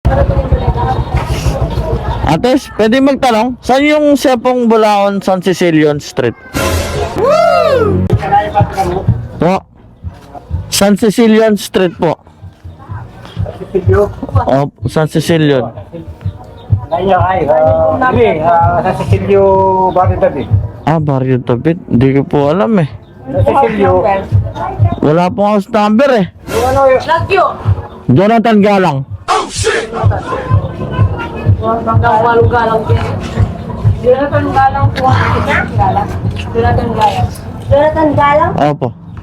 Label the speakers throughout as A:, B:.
A: Ates, pwede magtanong, saan yung Sepong Bulaon San Cecilion Street? Po. San Cecilion Street po. Oh, San Cecilion.
B: Sa Cecilio Barrio David.
A: Ah, Barrio David. Hindi ko po alam eh.
B: Sa Cecilio.
A: Wala pong house number eh.
C: Lagyo.
A: Jonathan Galang.
C: Walong galang din. Jonathan Galang po. Jonathan Galang. Jonathan Galang?
A: Opo.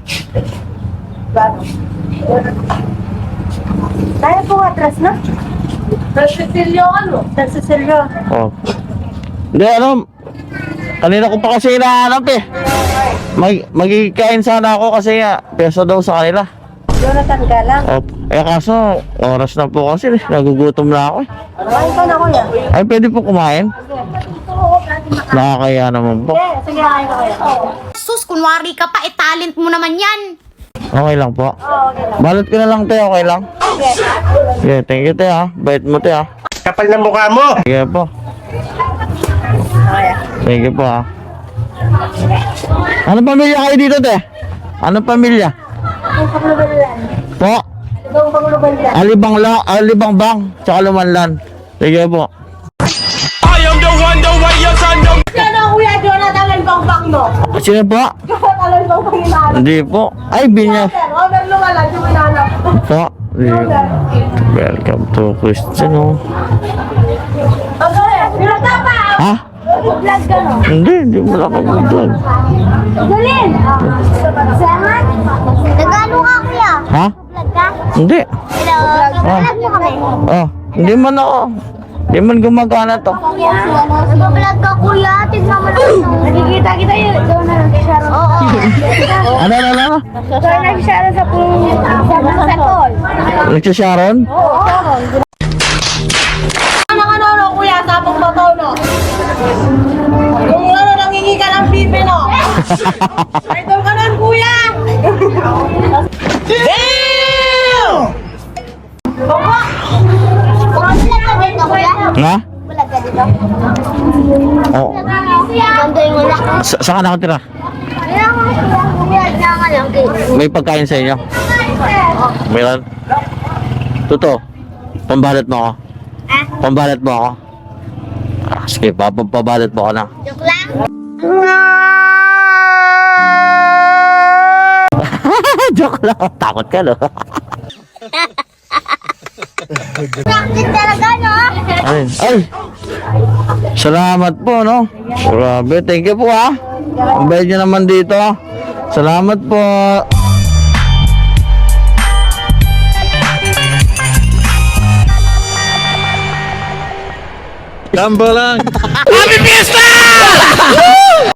C: Tayo po atras na. San Cecilio ano? San Cecilio.
A: Opo. Hindi, ano, kanina ko pa kasi hinahanap eh. Magkikain sana ako kasi peso daw sa kanila.
C: Jonathan Galang.
A: Opo. Eh kaso, oras na po kasi nagugutom na ako eh.
C: Kumain ka na kuya.
A: Ay, pwede po kumain? Nakakaya naman po.
C: Sige, kain ka kuya.
D: Sus, kunwari ka pa, talent mo naman yan.
A: Okay lang po.
C: Okay lang.
A: Balot ko na lang tayo, okay lang? Yeah, thank you tayo ha. Bait mo tayo ha.
B: Kapal ng mukha mo!
A: Sige po. Thank you po ha. Anong pamilya kayo dito te? Anong pamilya?
C: Ang paglubalan.
A: Po?
C: Ibang paglubalan.
A: Alibang bang, tsaka lumanlan. Sige po.
C: Ano kuya Jonathan Albangbang no?
A: Sino po?
C: Jonathan Albangbang hinahanap.
A: Hindi po. Ay, Binya.
C: Robert Lumalan yung hinahanap.
A: Po. Welcome to Christian oh.
C: Okay, pinata pa!
A: Ha?
C: Vlog ka no?
A: Hindi mo lang mag-vlog.
C: Galin! Saman?
D: Nagano ka, kuya?
A: Ha?
D: Vlog ka?
A: Hindi.
D: Hello? Vlog mo kami.
A: Oh, hindi man ako. Hindi man gumagana to.
D: Nag-vlog ka, kuya. Tignan mo lang.
C: Nakikita kita yun. Ikaw na lang si Sharon.
D: Oo.
A: Ano?
C: Ikaw na si Sharon sa pulong sa tol.
A: Nagsasharon?
C: Oo. Ano, kuya, tapong totoo, no? Kung ano, nangingi ka ng pipi, no? Idol ka nun, kuya! Damn! Baba!
D: Vlog ka dito, kuya?
A: Ha?
D: Vlog ka dito?
A: Oo.
D: Ganda yung wala.
A: Saan ka nakatira?
D: Kaya nga, kuya. Kaya nga lang.
A: May pagkain sa inyo? Meron? Totoo? Pambalat mo ako? Pambalat mo ako? Sige, papabalat mo ako na.
D: Joke lang.
A: Joke lang. Takot ka, no?
D: Practice talaga, no?
A: Ay! Salamat po, no? Grabe, thank you po, ha? Ang bayad nyo naman dito. Salamat po.
E: Gambo lang. Happy Fiesta!